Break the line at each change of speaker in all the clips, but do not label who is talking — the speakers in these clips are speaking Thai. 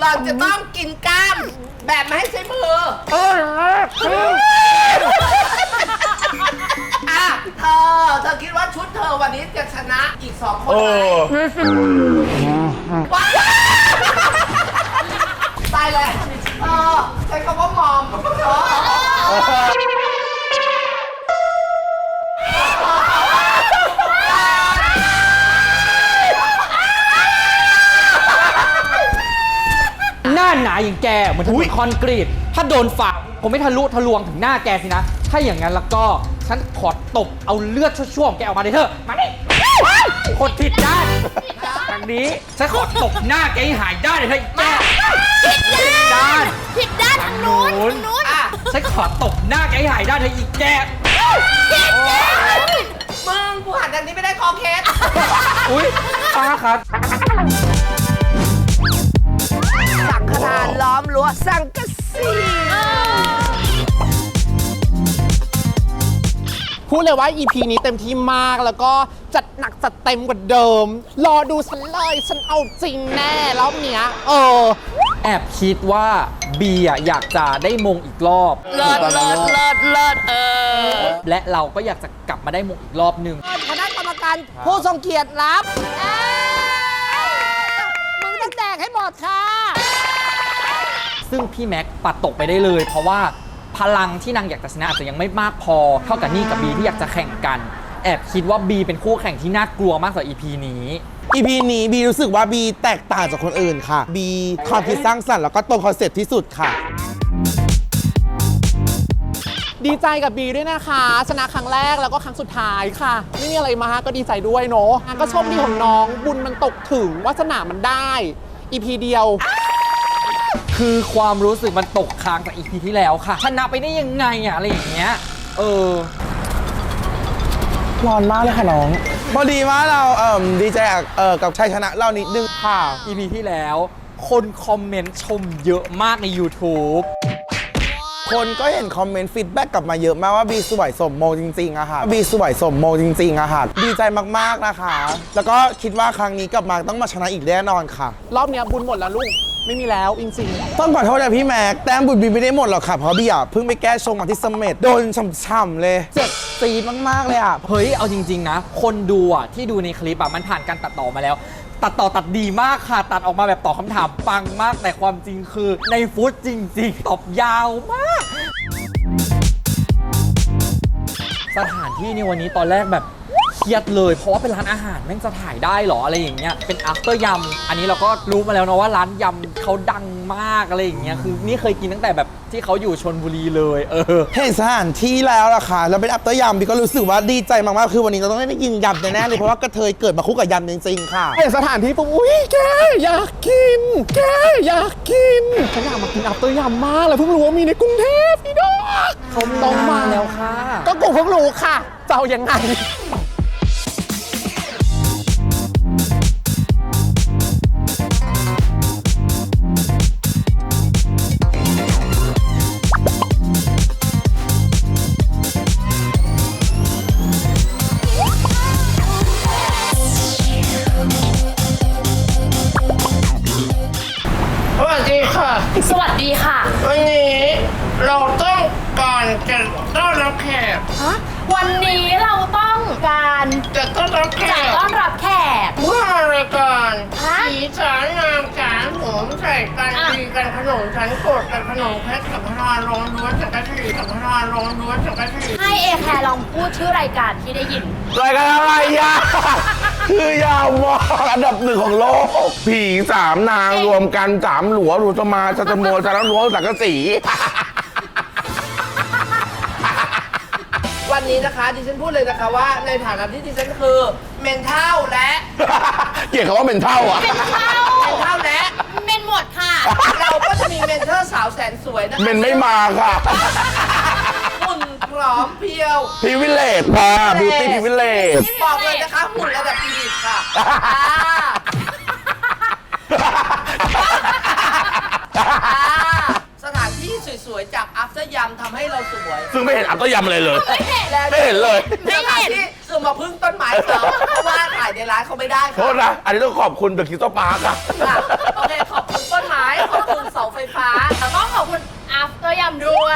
หล่อนจะต้องกินกล้ามแบบไม่ให้ใช้มืออ่ะเธอคิดว่าชุดเธอวันนี้จะชนะอีก2 คนไหมตายแล้วใช้คำว่ามอม
หน้าหนาอย่างแกเหมือนถนนคอนกรีตถ้าโดนฝ่าผมไม่ทะลุทะลวงถึงหน้าแกสินะถ้าอย่างนั้นแล้วก็ฉันขอตบเอาเลือดชั่วๆของแกออกมาเลยเถอะมาดิคนผิดด้านจากนี้ฉันขอตบหน้าแกให้หายด้านเลยเถอะแกผิดด้านทางนู้นฉันขอตบหน้าแกให้หายด้านเถอะอีกแก
มึงกูหันอันนี้ไม่ได้คอเคส
อุ้ยป้าครับ
สังฆทานล้อมรั้วสังกะสี
พูดเลยว่า EP นี้เต็มที่มากแล้วก็จัดหนักจัดเต็มกว่าเดิมรอดูฉันเลยฉันเอาจริงแน่รอบเนี้ย
แอบคิดว่าบีอยากจะได้มงอีกรอบ
เลิศ
และเราก็อยากจะกลับมาได้มงอีกรอบหนึ่ง
คณะกรรมการผู้ทรงเกียรติรับมึงต้องแดกให้หมดค่ะ
ซึ่งพี่แม็กปัดตกไปได้เลยเพราะว่าพลังที่นางอยากจะชนะอาจจะยังไม่มากพอเท่ากับนี่กับบีที่อยากจะแข่งกันแอบคิดว่าบีเป็นคู่แข่งที่น่ากลัวมากกว่า EP นี้
บีรู้สึกว่าบีแตกต่างจากคนอื่นค่ะบีความคิดสร้างสรรค์แล้วก็ตรงคอนเซ็ปต์ที่สุดค่ะดีใจกับบีด้วยนะคะชนะครั้งแรกแล้วก็ครั้งสุดท้ายค่ะไม่มีอะไรมากก็ดีใจด้วยเนาะก็โชคดีของน้องบุญมันตกถึงวาสนามันได้ EP เดียว
คือความรู้สึกมันตกค้างจาก EP ที่แล้วค่ะชนะไปได้ยังไงอะอะไรอย่างเงี้ย
ร้อนมากเลยค่ะน้องพอดีว่าเราดีใจกับชัยชนะเรานิดนึงค่ะ
EP ที่แล้วคนคอมเมนต์ชมเยอะมากใน YouTube
คนก็เห็นคอมเมนต์ฟีดแบ็กกลับมาเยอะมากว่าบีสวยสมมงจริงๆอะค่ะบีสวยสมมงจริงๆอะค่ะดีใจมากๆนะคะแล้วก็คิดว่าครั้งนี้กลับมาต้องมาชนะอีกแน่นอนค่ะรอบนี้บุญหมดแล้วลูกไม่มีแล้วจริงๆต้องขอโทษนะพี่แม็กแต้มบุญบีไม่ได้หมดหรอกค่ะเพราะบีเพิ่งไปแก้ชงมาที่เสม็ดโดนช่ำๆเลยเจ็บซีดมากๆเลยอะ
เฮ้ยเอาจริงๆนะคนดูที่ดูในคลิปมันผ่านการตัดต่อมาแล้วตัดดีมากค่ะตัดออกมาแบบตอบคำถามปังมากแต่ความจริงคือในฟุตจริงๆตอบยาวมากสถานที่ในวันนี้ตอนแรกแบบเครียดเลยเพราะว่าเป็นร้านอาหารแม่งจะถ่ายได้หรออะไรอย่างเงี้ยเป็น after ยำอันนี้เราก็รู้มาแล้วนะว่าร้านยำเขาดังมากอะไรอย่างเงี้ยคือนี่เคยกินตั้งแต่แบบที่เขาอยู่ชลบุรีเลย
เห็นสถานที่แล้วล่ะค่ะแล้วเป็น after ยำบีก็รู้สึกว่าดีใจมากๆคือวันนี้เราต้องได้กินยำแน่ๆเลยเพราะว่ากระเทยเกิดมาคู่กับยำจริงๆค่ะเห็นสถานที่ปุ๊บอุ้ยแกอยากกินฉันอยากมากิน after ยำมากเลยเพิ่งรู้ว่ามีในกรุงเทพพี่ดอก
เขาต้องมาแล้วค่ะ
ก็กูเพิ่งรู้ค่ะจะเอายังไง
สวัสดีค่ะ
วันนี้เราต้องการจะต้อนรับแขก
วันนี้เราต้องการ
จะต้อนรับแขกเมื่อรายการสีสันงามสารผมใส่กันดีกันขนมฉันโกรธกันขนมแพ็คสัมภาระลงล้วนสังกะสีสัมภาระลงล้วนสังกะสี
ให้เอแคร์ลองพูดชื่อรายการที่ได้ยิน
รายการอะไรคือยาวมากอันดับ1ของโลกผี3นางรวมกัน3หลัวรูสมาจัตโมจารหลัวสังกะสี
วันนี้นะคะดิฉันพูดเลยนะคะว่าในฐานะที่ดิฉันคือเมนเท่าและ
เกลียดคำว่าเมนเท่า
เมนเท่าและ
เมนหมดค่ะ
เราก็จะมีเมนเทอร์สาวแสนสวยนะคะ
เมนไม่มาค่ะ
หุ่นพร้อมเพียว
พิวิเลตค่ะบิวตี้พิวิเลต
บอกเลยนะคะหุ่นระดับพีดิตค่ะสถานที่สวยๆจาก after ยำทำให้เราสวย
ซึ่งไม่เห็น after ยำอะไรเลยไม่เห็นเลย
สถานที่คือมาพึ่งต้นไม้เขาเพราะว่าถ่ายในร้านเขาไม่ได้ค่ะ
โทษนะอันนี้ต้องขอบคุณเดอะคิสโตปาร์คค่ะ
โอเคขอบคุณต้นไม้ขอบคุณเสาไฟฟ้า
ต้องขอบคุณ after ยำด้วย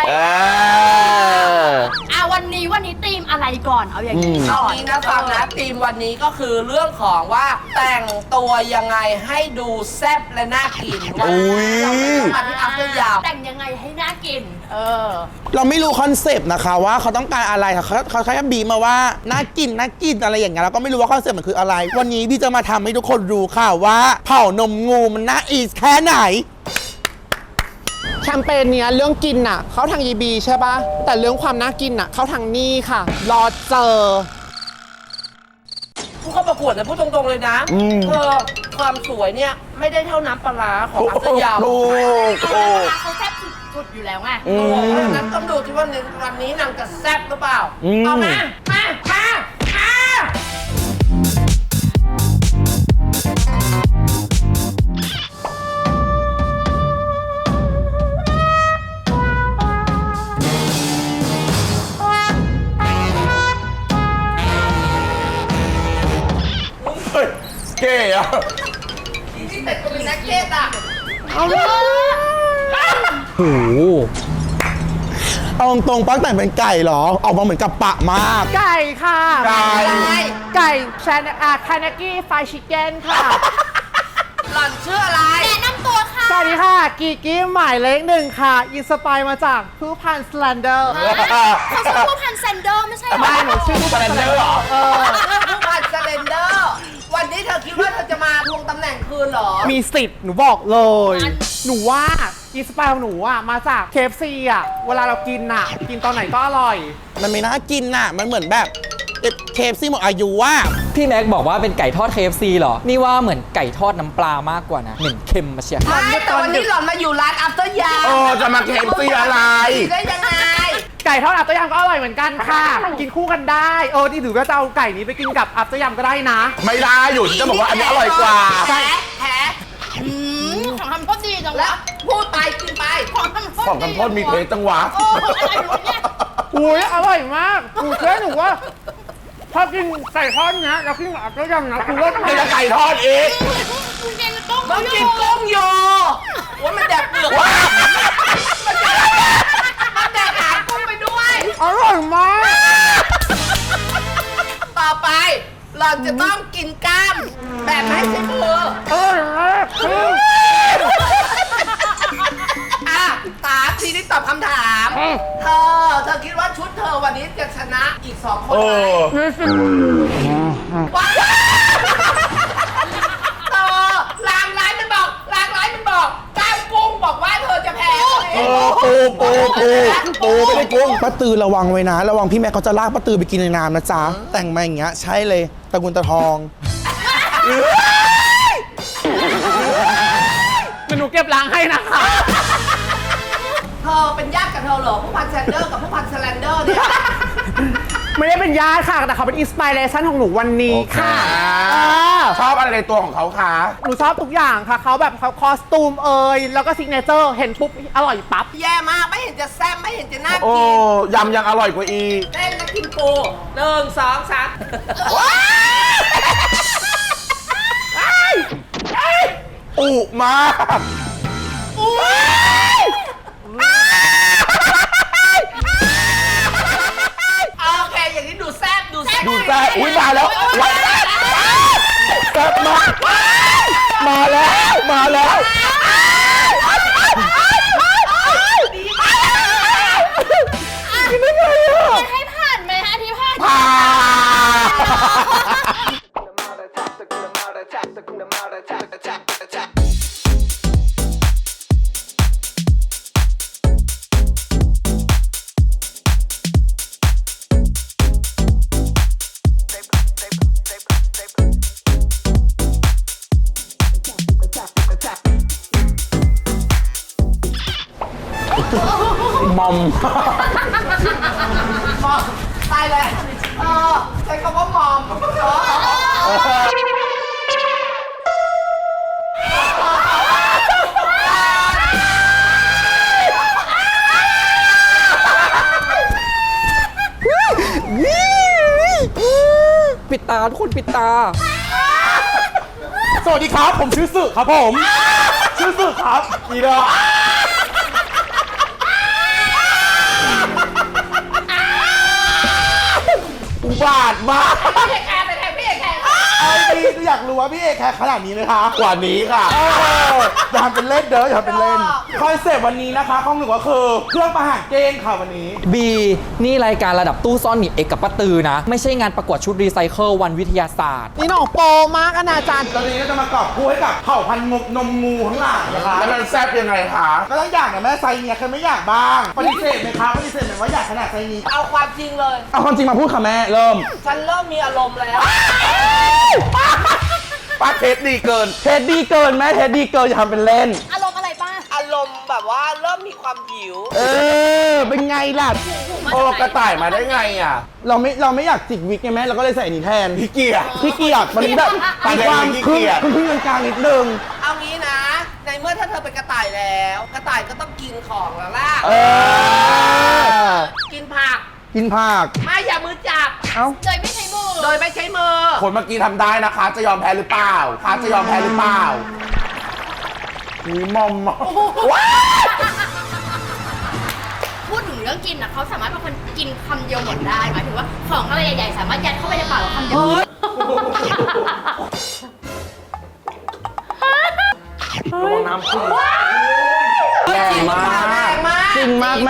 วันนี้ธีมอะไรก่อนเอาอย่างนี้
เอา
ก่อน
งี้นะฟังนะธีมวันนี้ก็คือเรื่องของว่าแต่งตัวยังไงให้ดูแซ่บและน่ากินว่าเรามาที่อัพเดทยาม
แต่งยังไงให้น่ากิน
เราไม่รู้คอนเซปต์นะคะว่าเขาต้องการอะไรค่ะเขาแค่บีบมาว่าน่ากินอะไรอย่างเงี้ยเราก็ไม่รู้ว่าคอนเซปต์มันคืออะไร วันนี้พี่จะมาทำให้ทุกคนรู้ค่ะว่าเผานมงูมันน่าอีสแค่ไหน
แคมเปญเนี้ยเรื่องกินน่ะเข้าทางยีบีใช่ปะแต่เรื่องความน่ากินน่ะเข้าทางนี่ค่ะ รอเจอ
ผู้เข้าประกวดเนี่ยพูดตรงๆเลยนะความสวยเนี่ยไม่ได้เท่าน้ำปลาร้าของอัพเดทยาม
เขาแซ่บสุดๆอยู่แล้วไง
เพราะฉะนั้นต้องดูที่ว่าวันนี้นางจะแซ่บหรือเปล่าเอามา
เก๋อะ
ที่เป็ดก็เป็นนักเก็ตอ่ะ
โอ้โห
เอาตรงๆปักแต่งเป็นไก่เหรอ ออกมาเหมือนกับปะมาก
ไก่ค่ะ
ไก่
ไก่คานากิไฟชิคเก้นค่ะ
หล่อนชื่ออะไร
แนะนำตัวค่ะ
สวัสดีค่ะ กีกี้หมายเลขหนึ่งค่ะ อินสปายมาจากผู้พันสแลนเดอร์
เขาชื่อผู้พันแซนเดอร์ไม่ใช่เหรอ
ไม่หนูชื่อผู้พันสแลนเดอร์
ผู้พันสเลนเดอร์ วันนี้เธอคิดว่าเธอจะมาทวงตำแหน่งคืนเหรอ
มีสิทธิ์หนูบอกเลย หนูว่าอินสปายของหนูอ่ะมาจาก KFC อ่ะ เวลาเรากินอ่ะ กินตอนไหนก็อร่อย
มันไม่น่ากินน่ะ มันเหมือนแบบเคฟซี่หมดอายุว่า
พี่แม็กบอกว่าเป็นไก่ทอด KFC เหรอ นี่ว่าเหมือนไก่ทอดน้ำปลามากกว่านะ เหม็นเค็มมาเชียร์
ใช่แต่วันนี้หล่อนมาอยู่ร้านอัพเตอร์ยา
จะมาเคฟซี่อะไร
ได้ยังไง
ไก่ทอดอัพเตอร์ยำก็อร่อยเหมือนกันค่ะ กินคู่กันได้ นี่ถือว่าจะเอาไก่นี้ไปกินกับอัพเตอร์ยำก็ได้นะ
ไม่ได้อยู่จะบอกว่าอันนี้อร่อยกว่า
แผล
ของทำก็ดีจัง
แล้ว
วะ
พูดไปกินไป
ของทำก็
ของกันโทษมีเทสจังหวะ
โอ้อะไรอยู่เนี่ย
อุ้ยอร่อยมากหนูเชื่อหนูว่าถ้ากินไก่ทอดเนี้ยแล้วกินกับอัพเตอร์ยำนะคือว่า
ไม่จะไก่ทอดอีก
คุณกินต้ม
ต้องกินกุ้งโยว่ามันแดกเปลือกมันแดกหางกุ้งไปด้วย
อร่อยมาก
ต่อไปหล่อนจะต้องกินกล้ามแบบไม่ใช่มือ
อร่อยมาก
ตาทีนี้ตอบคำถาม เธอคิดว่าชุดเธอวันนี้จะชนะอีก2 คนไหมว้าวลางร้ายมันบอกกล้ามกุ้งบอกว่าเธอจะแพ้
ปูไม่ได้กุ้งป้าตือระวังไว้นะ ระวังพี่แม่เขาจะลากป้าตือไปกินในน้ำนะจ๊ะ แต่งมาอย่างเงี้ยใช่เลยตะกุนตะทอง
หนูเก็บล้างให้นะคะ
เธอเป็นญาติกับเธอเหรอผู้พันแซนเดอร์กับผู้พันสแลนเดอร์เนี่ย
ไม่ได้เป็นญาติค่ะแต่เขาเป็นอินสปิเรชันของหนูวันนี้ค่ะ
ชอบอะไรในตัวของเขาคะ
หนูชอบทุกอย่างค่ะเขาแบบเขาคอสตูมแล้วก็ซิกเนเจอร์เห็นปุ๊บอร่อยปั๊บ
แย่มากไม่เห็นจะแซ่บไม่เห็นจะน่า
โอ้
กิน
ยำยังอร่อยกว่าอี
เล่นแล้วกินปู1 2 3
อุมาก
โอเคอย่างนี้ดูแซ่บ
ดูแซ่บอุ้ยมาแล้วแซ่บมากมาแล้ว
ให้ผ่านไหมคะที่ผ่าน
ผ่านมอม
ตายเลยใช้คำว่ามอม
ปิดตาทุกคนปิดตา
สวัสดีครับ ผมชื่อสึครับผม ชื่รู้สึกครับอีดอกอุบาทมาก
พี่เอกแคร์ไปแทนพี่เอกแคร์
ไอ้พี่อยากรู้ว่าพี่เอกแคร์ขนาดนี้ไหมคะกว่านี้ค่ะอย่าทำเป็นเล่นเด้ออย่าทำเป็นเล่นคอนเซปต์วันนี้นะคะของหนูก็คือเครื่องประหารเกณฑ์ค่ะวันนี้
บีนี่รายการระดับตู้ซ่อนหนีเอกกับป้าตือนะ ไม่ใช่งานประกวดชุดรีไซเคิลวันวิทยาศาสตร์
นี่น้องโปมากอนาจารย์
ตอนนี้ก็จะมากอบกู้ให้กับเผ่าพันธุ์นมงูทั้งหลายนะคะ
แล้วมันแซ่บยังไงคะ
ก็ต้องอยากนะแม่ไซส์เนี่ยใครไม่อยากบ้างปฏิเสธไหมคะปฏิเสธไหมว่าอยากขนาดไซส์นี้
เอาความจริงเลย
เอาความจริงมาพูดค่ะแม่เริ่ม
ฉันเริ่มมีอารมณ์แล้ว
ป้าเทสดีเกิน
เทสดีเกินแม่เทสดีเกินอย่าทำเป็นเล่น
อารมณ์อะไรป้า
อารมณ์แบบว่าเริ่มมีความหิว
เป็นไงล่ะ
โอ้กระต่ายมาได้ไงอ่ะ
เราไม่อยากจิกวิกไงแม่เราก็เลยใส่อันนี้แทน
พี่เกียร์
พี่เกียร์มันแบบ
ตา
มี
แดง
ความ
ขี้
ครึ่
เกี
ง
ยจ
ครึ่งกลางๆนิดนึง
เอางี้นะ ในเมื่อถ้าเธอเป็นกระต่ายแล้ว กระต่ายก็ต้องกินของแล้วล่ะ กินผัก
กินผัก
ไม่อย่ามือจับ
เอ้า
โดยไม่ใช้มือ
โดยไม่ใช้มือ
คนเมื่อกี้ทำได้นะคะ จะยอมแพ้หรือเปล่าคะจะยอมแพ้หรือเปล่ามีมอมมา
พูดถึงเรื่องกินนะเขาสามารถเป็นคนกินคำเดียวหมดได้หมายถึงว่าของอะไรใหญ่ๆสามารถยัดเข้าไปในปากเราคำเดียว
น้ำขึ้นแรงมาก
จริงมากแม่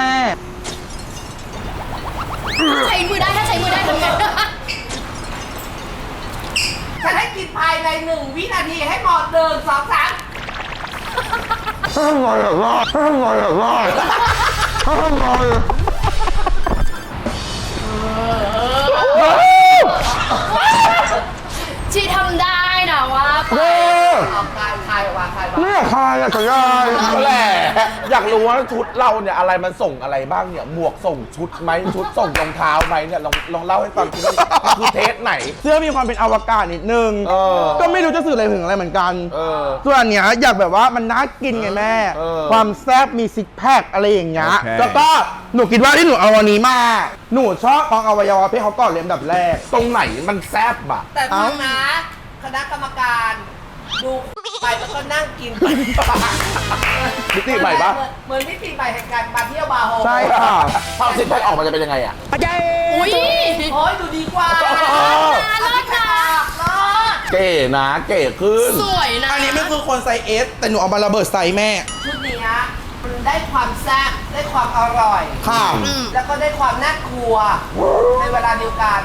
ใช้มือได้ถ้าใช้มือได้ทำไง
ฉันให้กินภายใน1 วินาทีให้หมด1 2 3
ทำไมอะรอดทำไมอะรอดทำไม
ชีทำได้นะว่า
เด้อ
เอาคายว่าคายว่า
ไม่อยากทายอะสัญญาณ
ก็แหละอยากรู้ว่าชุดเราเนี่ยอะไรมันส่งอะไรบ้างเนี่ยหมวกส่งชุดไหมชุดส่งรองเท้าไหมเนี่ยลองเล่าให้ฟังทีว่าคือเทสไหน
เสื้อมีความเป็นอวกาศนิดนึง ก็ไม่รู้จะสื่ออะไรถึงอะไรเหมือนกัน ส่วนอันเนี้ยอยากแบบว่ามันน่ากินไงแม่ ความแซ่บมีซิกแพคอะไรอย่างเงี้ย แล้วก็หนูคิดว่าที่หนูเอาวันนี้มา หนูชอบของอวัยวะเพศเขาก่อนเลยอันดับแรก
ตรงไหนมันแซ่บอะ
แต่ฟังนะ คณะกรรมการดูไปแล้วก็นั่งกินไป
มิติใหม่ปะ
เหมือนมิติใหม่แห่งการมาเที่ยวบาร์โฮส
ใช่ค่ะ
ภาพซิกแพคออกมาจะเป็นยังไงอะ
อุ้ย
โอ้ยดูดีกว่า
เลิศนะ
เลิศ
เก๋นะเก๋ขึ้น
สวยนะ
อันนี้ไม่คือคนไซส์ S แต่หนูเอามาระเบิดไซส์แม่
ชุดเนี้ยมันได้ความแซ่บได้ความอร่อย
ค่ะ
แล้วก็ได้ความน่ากลัวในเวลาเดียวกัน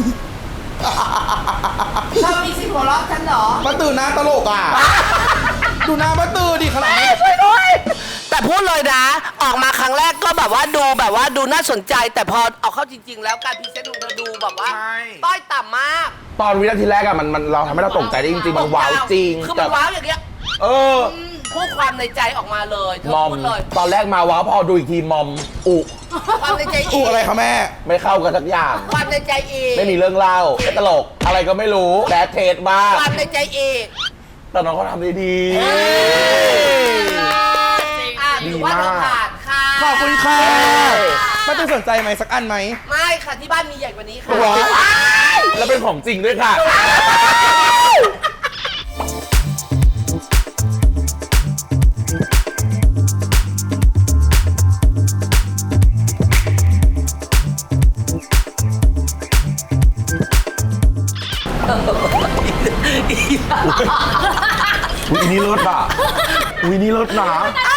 เธอมีสิทธิ์หัวเราะฉันเหรอ
ป้าตื่นหน้าตลกอ่ะ ดูหน้าป้าตื่นดิขนาดนี้
ช่วยด้วย แต่พูดเลยนะ ออกมาครั้งแรกก็แบบว่าดูน่าสนใจ แต่พอเอาเข้าจริง ๆ แล้วการพรีเซนต์ของเธอดูแบบว่า
ใช่
ต้อยต่ำมาก
ตอนวินาทีแรกอะมันเราทำให้เราตกใจได้จริงๆมันว้าวจริง
คือมันว้าวอย่างเงี้ย
เออ
พูดความในใจออกมาเลยเธอ
มอม
พูดเลย
ตอนแรกมาว้าวพอดูอีกทีมอมอุ
ความในใจอี
อู
ก
อะไรคะแม่
ไม่เข้ากันสักอย่าง
ความในใจอีก
ไม่มีเรื่องเล่าไม่ตลก อะไรก็ไม่รู้แบดเทสมาก
ความในใจอีก
แต่น้องเขาทำได้ดี
ถือว่าเราผ่านค่ะ
ขอบคุณค่ะป้าตื่นสนใจไหมสักอันไหม
ไม่ค่ะที่บ้านมีใหญ่กว่านี้ค่ะ
ว้าวแล้วเป็นของจริงด้วยค่ะ อุ้ยนี่เลิศอ่ะอุ้ยนี่เลิศนะ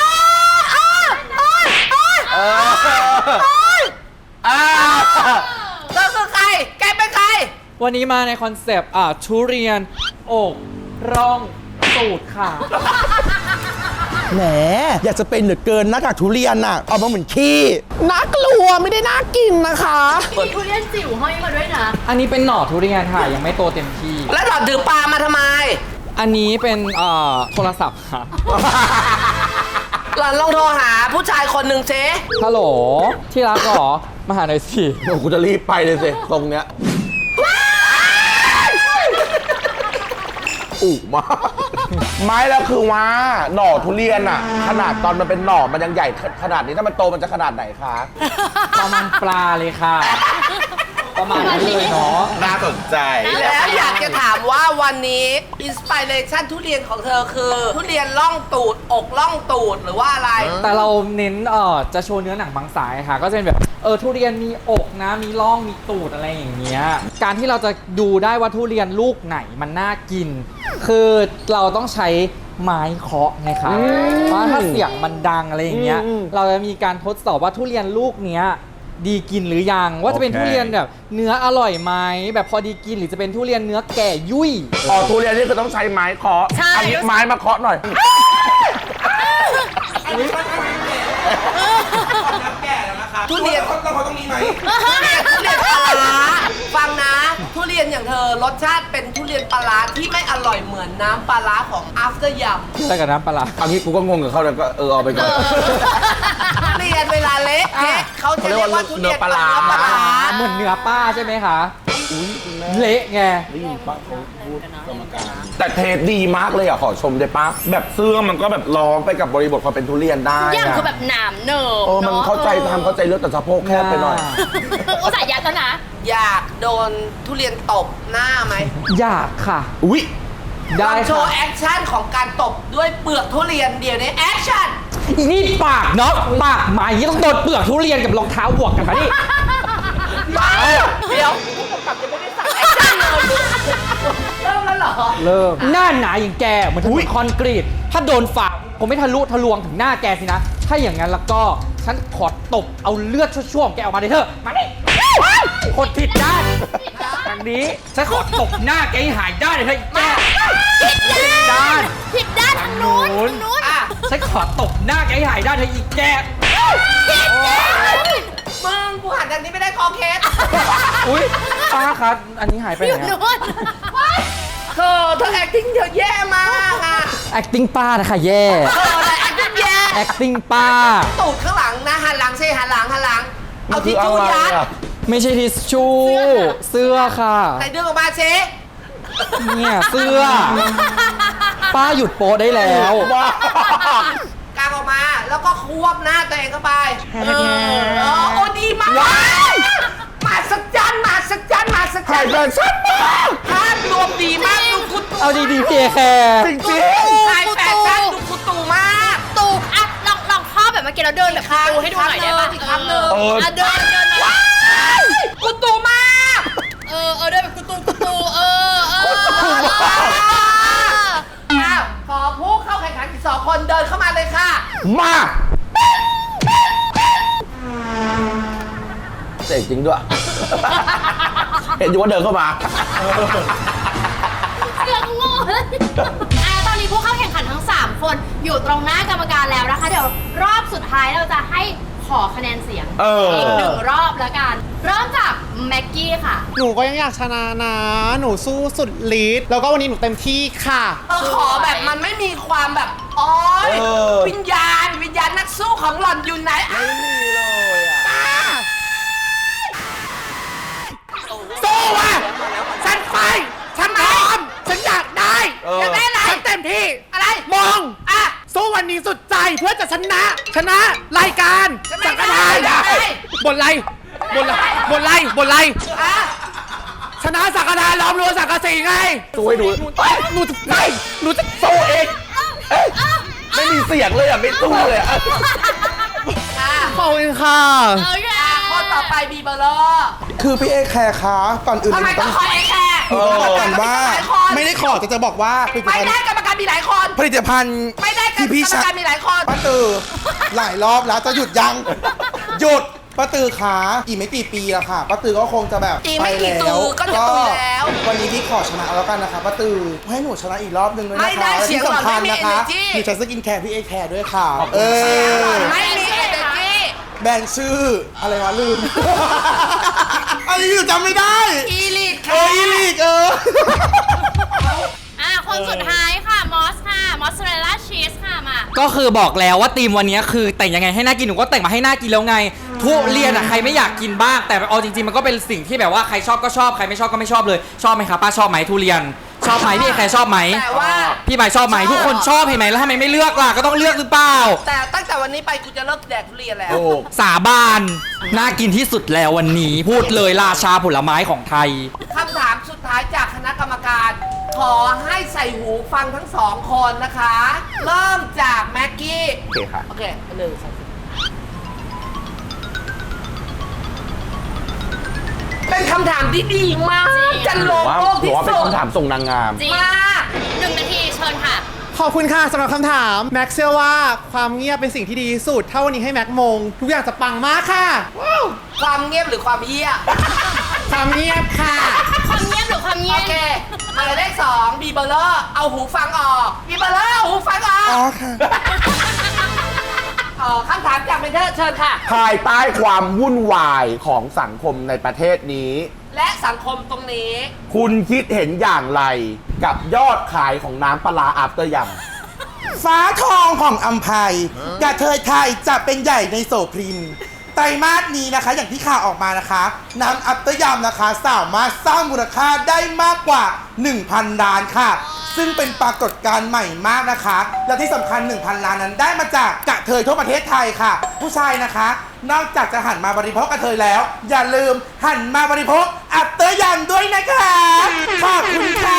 เธอคือใคร แกเป็นใคร
วันนี้มาในคอนเซปต์ทุเรียนอกร่องตูดค่ะ
แหม อยากจะเป็นเหลือเกินหน้ากากทุเรียนน่ะ เอามาเหมือนขี้
น่ากลัวไม่ได้น่ากินนะคะ
มีทุเรียนจิ๋วห้อยมาด้วยนะ
อันนี้เป็นหน่อทุเรียนค่ะ ยังไม่โตเต็มที่
แล้วหลอดถือปลามาทำไม
อันนี้เป็นโทรศัพท์ค่ะ
หลอดลองโทรหาผู้ชายคนหนึ่งเจ๊
ฮัลโหล ที่รักเหรอ มาหาหน่อยสิ
โอ้กูจะรีบไปเลยสิตรงเนี้ยอุมากไม่แล้วคือว่าหน่อทุเรียนอะขนาดตอนมันเป็นหน่อมันยังใหญ่ขนาดนี้ถ้ามันโตมันจะขนาดไหนคะ
ประมาณปลาเลยค่ะประมาณนั้นเลยเนาะ
น่าสนใจ
แล้วอยากจะถามว่าวันนี้อินสปิเรชันทุเรียนของเธอคือ ทุเรียนล่องตูดอกล่องตูดหรือว่าอะไร
แต่เราเน้นจะโชว์เนื้อหนังบางสายค่ะ ก็จะเป็นแบบทุเรียนมีอกนะมีร่องมีตูดอะไรอย่างเงี้ยการที่เราจะดูได้ว่าทุเรียนลูกไหนมันน่ากิน คือเราต้องใช้ไม้เคาะไงคะเพราะถ้าเสียงมันดังอะไรอย่างเงี้ยเราจะมีการทดสอบว่าทุเรียนลูกเนี้ยดีกินหรือยังว่าจะเป็น
โอเค
ทุเรียนแบบเนื้ออร่อยไหมแบบพอดีกินหรือจะเป็นทุเรียนเนื้อแก่ยุ่ย
อ๋อทุเรียนนี่คือต้องใช้ไม้เคาะ
ใช่
อันนี้ไม้มาเคาะหน่อย
ทุเรียนเราต้องมีไหมทุเรียนปลาร้าฟังนะ ทุเรียนอย่างเธอรสชาติเป็นทุเรียนปลาร้าที่ไม่อร่อยเหมือนน้ำปลาร้าของ after yum
ใส่กับน้ำปลาร้า
อันนี้กูก็งงกับเขาแล้วก็เอาไปก่อน
ทุเรียนเวลาเละเทะเขาจะเรียกว่าทุเรียนปลาร้า
เหมือนเนื้อป้าใช่ไหมคะเละไง
แต่เทสดีมากเลยอ่ะขอชมได้ปะแบบเสื้อมันก็แบบล้อมไปกับบริบทความเป็นทุเรียนได้
อย่าง
อะ
คือแบบหนามเนิบ
มันเข้าใจทำเข้าใจเรื่องแต่สะโพกแคบไปหน่อย
อุตส่าห์ยัดแล้วนะ
อยากโดนทุเรียนตบหน้าไหม
อยากค่ะ
อุ้ย
ได้
ลองโช
ค่ะ
ว์แอคชั่นของการตบด้วยเปลือกทุเรียนเดี๋ยวนี้แอคชั่น
อีนี่ปากเนาะปากหมาอย่างนี้ต้องโดนเปลือกทุเรียนกับรองเท้าบวกกันมาดิ
เดี๋ยวผู้กำกับยังไม่ได้สั่งแอคชั่นเลยเริ่มแล้วเหรอ
เริ่มหน้าหนาอย่างแกเหมือนถนนคอนกรีต ถ้าโดนฝ่าผมไม่ทะลุทะลวงถึงหน้าแกสินะ ถ้าอย่างนั้นแล้วก็ฉันขอตบเอาเลือดชั่วๆของแกออกมาเลยเถอะมาดิคนผิดด้านทางนี้ฉันขอตบหน้าแกให้หายด้านเลยเถอะแกผิดด้าน
ผิดด้านทางนู้นทางนู้น
อ่ะ
ฉันขอตบหน้าแกให้หายด้านเถอะอีกแก
มึงกูหันทางนี้ไม่ได้คอเคส
อุ้ยป้าครับ อันนี้หายไปไห
อน ยู่
อะ
นู้น
เธอ acting เธอแย่มากอ่ะ
acting ป้านะคะแย่
อะไร acting แย่
acting ป้า
ตูดข้างหลังนะหันหลังสิหันหลัง เอาทิชชู่
มันคือ
ยั
อะไร
ด
อะ
ไม่ใช่ทิชชู่เสื้อค่ะ
ใส่ดึงออกมาเช
เนี่ยเสื้อ ป้าหยุดโป๊ได้แล้ว
ว้าก
างออกมาแล้วก็ควบหน้าตัวเองเข้าไปโอ้ดีมากมาสักจันมาสักจันมาสักจั
ถ่าย
น
แฟชั่นมาก
ภาพรวมดีมากดูคุณ
เอาดีๆพี่แคร์
จริง
ถ่ายแฟชั่นดูคุณตู่มาก
ตูกอ่ะลองข้อแบบเมื่อกี้เราเดินแบบตูให้ดูหน่อยได้ปะ
อีกครั้งหนึ่ง
อ่ะเดินมา
คุณตู่มาก
เดินแบบกูตู
อ้าวขอผู้เข้าแข่งขันอีก2 คนเดินเข้ามาเลยค่ะ
ๆมาเจ๋งจริงด้วย เห็นอยู่ว่าเดินเข้ามา
เรื่องโง่เลยตอนนี้ผู้เข้าแข่งขันทั้ง 3 คนอยู่ตรงหน้ากรรมการแล้วนะคะ เดี๋ยวรอบสุดท้ายเราจะให้ขอคะแนนเสียง อีก1 รอบแล้วกัน เริ่มจากแม็กกี้ค่ะ
หนูก็ยังอยากชนะนะ หนูสู้สุดฤทธิ์แล้วก็วันนี้หนูเต็มที่ค่ะ
ขอแบบมันไม่มีความแบบอ๋อวิญญาณนักสู้ของหล่อนอยู่ไหน
ไม่มีเลยอ่ะ
สู้ว่ะฉันไปฉันพร้อมฉันอยากได้
อยากได้อะไร
ฉันเต็มที่
อะไร
มอง
อ่ะ
สู้วันนี้สุดใจเพื่อจะชนะรายการ
ชนะ
สังกัดไทย
ได้
บนไร
อ่ะ
ชนะสังกัดไทยล้อมรั้วสังกัดสีไง
สู้ให้ดู
หนูจะ
สู้เองเอ๊ะไม่มีเสียงเลยอ่ะ ไม่สู้เลยอ่ะ
อ่ะ
ขอบคุณค่ะ
โอเค
คนต่อไปบีเบอร์เลอร์
คือพี่เอแคร์คะก่อนอื่น
ทำไมต้องคอยไอ้แค่
ต้องบอกก่อนว่า
หลายคน
ไม่ได้ขอจะบอกว่าผลิต
ไม่
ภัณ
ได้
ฑ์
กรรมการมีหลายคน
ผลิตภัณฑ์
ไม่ได้กรร
ที่พี่
มการมีหลายคน
ป้าตือหลายรอบแล้วจะหยุดยัง หยุดป้าตือขาอีกไม่กี่ปีแล้วค่ะป้าตือก็คงจะแบบ
อีกไม่กี่
ไป
ตือก็จะตุยแล้ว
วันนี้พี่ขอชนะแล้วกันนะคะป้าตือให้หนูชนะอีกรอบนึงด้วย
ไม่
นะคะ
ได้
และ
เสีย
ที่
งหล่อน
สำคัญ
ไม่มี
นะคะ
energy
หนูใช้สกินแคร์พี่เอแคร์ด้วยค่ะเออ
ไม่มีเอเนจี
แบรนด์ชื่ออะไรวะลืม อันนี้หนูจำไม่ได้
อีลิท
อีลีก
คนสุดท้ายค่ะ มอสค่ะ มอสซาเรลล่าชีสค่ะ มา
ก็คือบอกแล้วว่าธีมวันนี้คือแต่งยังไงให้น่ากินหนูก็แต่งมาให้น่ากินแล้วไง ทุเรียนอะใครไม่อยากกินบ้างแต่เอาจริงๆมันก็เป็นสิ่งที่แบบว่าใครชอบก็ชอบใครไม่ชอบก็ไม่ชอบเลยชอบไหมคะป้าชอบไหมทุเรียนชอบไหมพี่แคร์ชอบไหม
แต่ว่า
พี่ใหม่ชอบไหมทุกคนชอบเห็นไหมแล้วทำไมไม่เลือกล่ะก็ต้องเลือกหรือเปล่า
แต่ตั้งแต่วันนี้ไปกูจะเลิกแดกทุเรียนแล้ว
ถูก
สาบานน่ากินที่สุดแล้ววันนี้พูดเลยราชาผลไม้ของไทย
คำถามสุดท้ายจากคณะกรรมการ ขอให้ใส่หูฟังทั้งสองคนนะคะ เริ่มจากแม็กกี้
โอเคค่ะ
โอเค1 2 3เป็นคำถามที่ดีมาก จะลงโลก
หรือ
ที่
ว่าเป็น
สุด
คำถามส่งนางงาม
จริง
มาก
1 นาทีเชิญค่ะ
ขอบคุณค่ะสำหรับคำถาม แม็กเชื่อว่าความเงียบเป็นสิ่งที่ดีที่สุด ถ้าวันนี้ให้แม็กมง ทุกอย่างจะปังมากค่ะ
ความเงียบหรือความเหี้ย
ความเงียบค่ะ
ความเงียบหรือความเงี
โอย
บ
เคหมายเลข2บีเบอร์เลอร์เอาหูฟังออกบีเบอร์เลอร์เอาหูฟังออก
อ๋อค่ะ
คำถามจากเมนเทอร์เชิญค่ะ
ภายใต้ความวุ่นวายของสังคมในประเทศนี้
และสังคมตรงนี้
คุณคิดเห็นอย่างไรกับยอดขายของน้ำปลาร้าอัพเตอร์ยำ
ฟ้าทองของอัมภัยกระเทยไทยจะเป็นใหญ่ในโสพรินไตรมาสนี้นะคะ อย่างที่ข่าวออกมานะคะ น้ำอัปเตอร์ยำนะคะ สามารถสร้างมูลค่าได้มากกว่า 1,000 ล้านค่ะ ซึ่งเป็นปรากฏการณ์ใหม่มากนะคะ และที่สำคัญ 1,000 ล้านนั้นได้มาจากกระเทยทั่วประเทศไทยค่ะ ผู้ชายนะคะ นอกจากจะหันมาบริโภคกระเทยแล้ว อย่าลืมหันมาบริโภคอัปเตอร์ยำด้วยนะคะขอบคุณค่ะ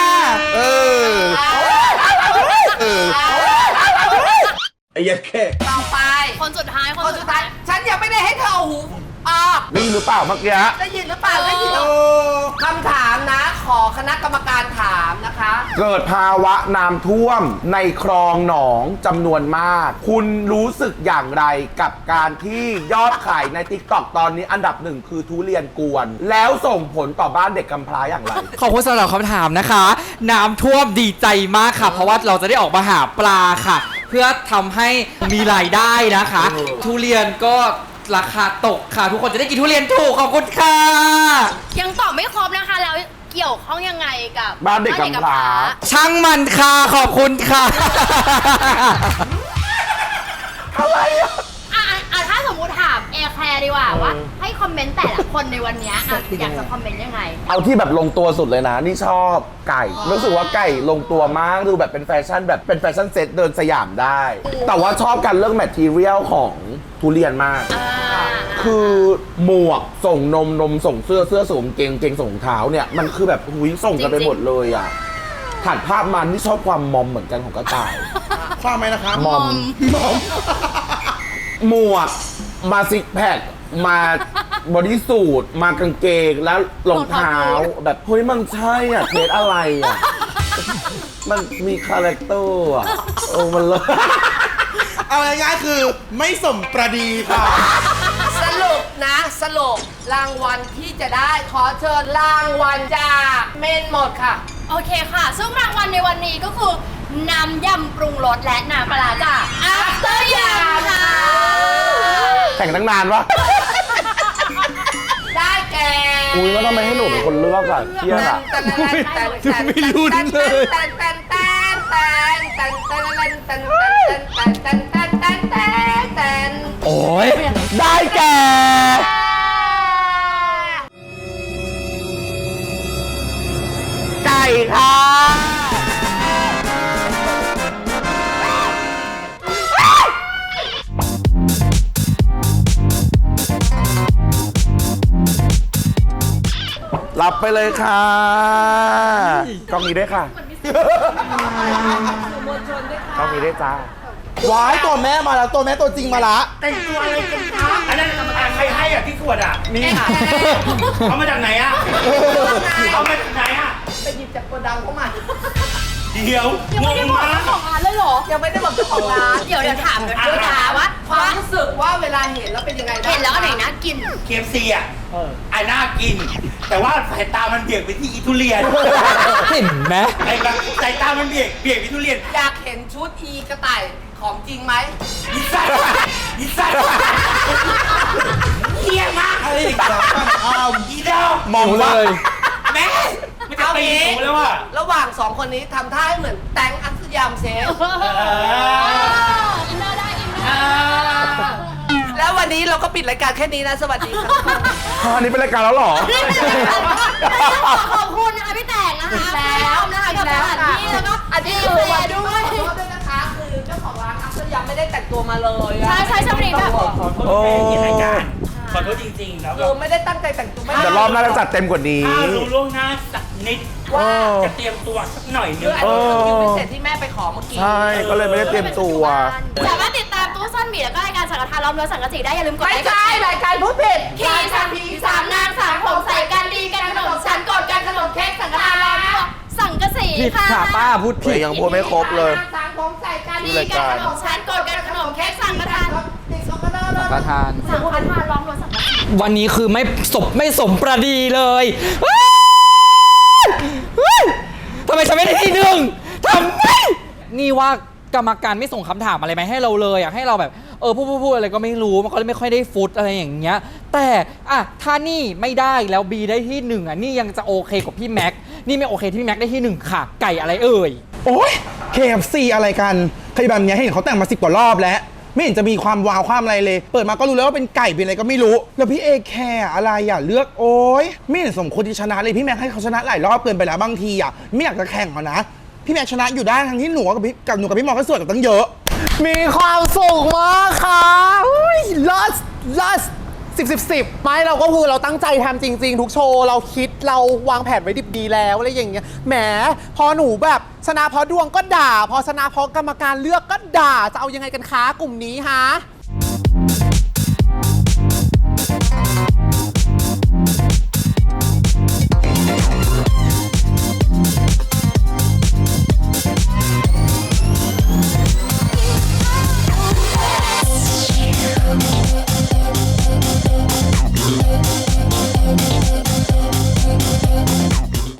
ไอ้ยัดแค่
ต่อไป
คนสุดท้าย
คนสุดท้าย ฉันยังไม่ได้ให้เธอเอาหูออก
นี่หรือเปล่าเมื่อกี้
ได้ยินหรือเปล่า ได้ยินหรือคำถามนะ ขอคณะกรรมการถามนะคะ
เกิดภาวะน้ำท่วมในคลองหนองจำนวนมาก คุณรู้สึกอย่างไรกับการที่ยอดขายใน TikTok ตอนนี้อันดับหนึ่งคือทุเรียนกวน แล้วส่งผลต่อบ้านเด็กกำพร้าอย่างไร
ขอบคุณสำหรับคำถามนะคะ น้ำท่วมดีใจมากค่ะ เพราะว่าเราจะได้ออกมาหาปลาค่ะ เพื่อทำให้มีรายได้นะคะ ทุเรียนก็ราคาตกค่ะ ทุกคนจะได้กินทุเรียนถูกขอบคุณค่ะ
ยังตอบไม่ครบนะคะ แล้วเกี่ยวข้องยังไงกับ
บ้านเด็กกำพร้า
ช่างมันค่ะขอบคุณค่ะ
ถ้าสมมุติถามแอร์แคร์ดีกว่าว่า ให้คอมเมนต์แต่ละคนในวันเนี้ยอยากจะคอมเมนต์ยังไง
เอาที่แบบลงตัวสุดเลยนะ นี่ชอบไก่ รู้สึกว่าไก่ลงตัวมากดูแบบเป็นแฟชั่นแบบเป็นแฟชั่นเซ็ตเดินสยามได้ แต่ว่าชอบการเลือกแมททีเรียลของทุเรียนมาก คือหมวกส่งนมส่งเสื้อส่งกางเกงส่งรองเท้าเนี่ย มันคือแบบหุยส่งกันไปหมดเลยอ่ะถ่ายภาพมันที่ชอบความมอมเหมือนกันของกระต่าย
ความไหมนะคะ
มอม หมวกมาซิกแพคมาบอดี้สูทมากางเกงแล้วรองเท้า แบบเฮ้ยมันใช่อ่ะเทสอะไรอ่ะ มันมีคาแรคเตอร์อ่ะโอ้มันเลย
เอาง่ายๆคือไม่สมประดีค่ะ
สรุปนะสรุปรางวัลที่จะได้ขอเชิญรางวัลจากเมนหมดค่ะ
โอเคค่ะ ซึ่งรางวัลในวันนี้ก็คือน้ำยำปรุงรสและน้ำปลาร้าจาก After Yum ค่ะ
แข่งตั้งนานวะ
ได้แก่
อุ้ยแล้วทำไมให้หนูเป็นคนเลือกอ่ะเครียดอ่ะ
ไม่ลุ้นเลย โอ้ยได้แก่
ไก่ค่ะรับไปเลยค่ะกล้องนี้ด้วยค่ะกล้องนี้ด้วยจ้า
ว้ายตัวแม่มาแล้วตัวแม่ตัวจริงมาละ
อันนั้นใครให้อ่ะที่ขวดอ่ะ
นี่ค่ะ
เอามาจากไหนอ่ะ เอามาจากไหนอ่ะ
ไปหยิบจากโกดังเข้ามา
เดี๋ยว
ยังไม่ได้บอกเจ้าของร้านเลยเหรอ
ยังไม่ได้บอกเจ้าของร้าน
เดี๋ยวถามว่า
ความรู้สึกว่าเวลาเห็นแล้วเป็นยังไงบ้าง
เห็นแล้วอันไหนน่ากิน
KFC อ่ะอันน่ากิน แต่ว่าสายตามันเบี่ยงไปที่อีทุเรียน
เห็นไหม
ไอ้แบบสายตามันเบี่ยงไปทุเรียน
อยากเห็นชุดอีกระต่ายของจริงไหม
อีสัตว์อีสัตว์เฮี้ยมาก
อะไรอีกแล้ว
อีเดาม
องเลย
แม่มันจะตีหนูแล้วว่ะ
ระหว่างสองคนนี้ทำท่าให้เหมือนแตงอัศยามเซล
อินเนอร์ได้อินเนอร์
แล้ววัน
วันนี้เราก็ปิดรายการแค่นี้นะ สวัสดีค่ะ
อันนี้เป็นรายการแล้วเหรอ
ขอบคุณนะคะพี่แต่งนะคะแล้วนะคะกับสถานที่แล้วก็
อันนี้คือวันด้วยขอโทษด้วยนะคะ คือเจ้าของร้านอัพเตอร์ยังไม่ได้แต่งตัวมาเลยอะ
ใช่ชมรีแบบ
ขอโทษแม่กินรายการขอโทษจริงๆแล้ว
คือไม่ได้ตั้งใจแต่งตัวไม่
แต่รอบหน้าจะจัดเต็มกว่านี้
ถ้ารู้ล่วงหน้าสักนิดว่าจะเตรียมตัวสักหน่อยนึ
คื
ง
ออันนี้คือคิวพิเศษที่แม่ไปขอเมื่อกี้
ใช่ ก็เลยไม่ได้เตรียมตัว
สามารถติดตามตู้ซ่อนหมีแล้วก็รายการสังฆทานล้อมรั้วสังกะสีได้อย่าลืมกด
ไม่
ไลค์กด
ใช่
แชร์
รายการพูดผิด
ขี่สามผีสามนางสามผมใส่กันดีกันขนมฉันกดกันขนมเค้กสังฆทานล้อมรั้วสังกะสี
ผิด
ค่ะ
ค่ะป้าพูดผิด
ยังพูดไม่ครบเลย
สามผมใส่กันดีกันขนมฉันกดกันขนมเค้กสังฆทาน
ประธาน
สังฆทานล้อมรั้วสังกะสี
วันนี้คือไม่สมประดีเลยทำไมฉันไม่ได้ที่หนึ่งทำไมนี่ว่ากรรมการไม่ส่งคำถามอะไรมาให้เราเลยอยากให้เราแบบพูดอะไรก็ไม่รู้มันก็เลยไม่ค่อยได้ฟุตอะไรอย่างเงี้ยแต่อ่ะถ้านี่ไม่ได้แล้วบีได้ที่หนึ่งอ่ะนี่ยังจะโอเคกว่าพี่แม็กนี่ไม่โอเคที่พี่แม็กได้ที่หนึ่งค่ะไก่อะไรเอ่ย
โอ๊ย KFC อะไรกันใครแบบเนี้ยเห็นเขาแต่งมา10 กว่ารอบแล้ว ไม่เห็นจะมีความว้าวความอะไรเลย เปิดมาก็รู้แล้วว่าเป็นไก่เป็นอะไรก็ไม่รู้ แล้วพี่เอแคร์อะไรอ่ะเลือกโอ๊ยไม่เห็นสมควรที่ชนะเลยพี่แม็กให้เขาชนะหลายรอบเกินไปแล้วบางทีอ่ะไม่อยากจะแข่งเขานะพี่แม็กชนะอยู่ได้ทั้งที่หนูกับหนูกับพี่มอก็สวยกับตั้งเยอะ
มีความสุขมากค่ะลัส10 ไม่เราก็คือเราตั้งใจทำจริง ๆ ทุกโชว์เราคิดเราวางแผนไว้ดิบดีแล้วอะไรอย่างเงี้ยแหมพอหนูแบบชนะเพราะดวงก็ด่า พอชนะเพราะกรรมการเลือกก็ด่าจะเอายังไงกันคะกลุ่มนี้ฮะ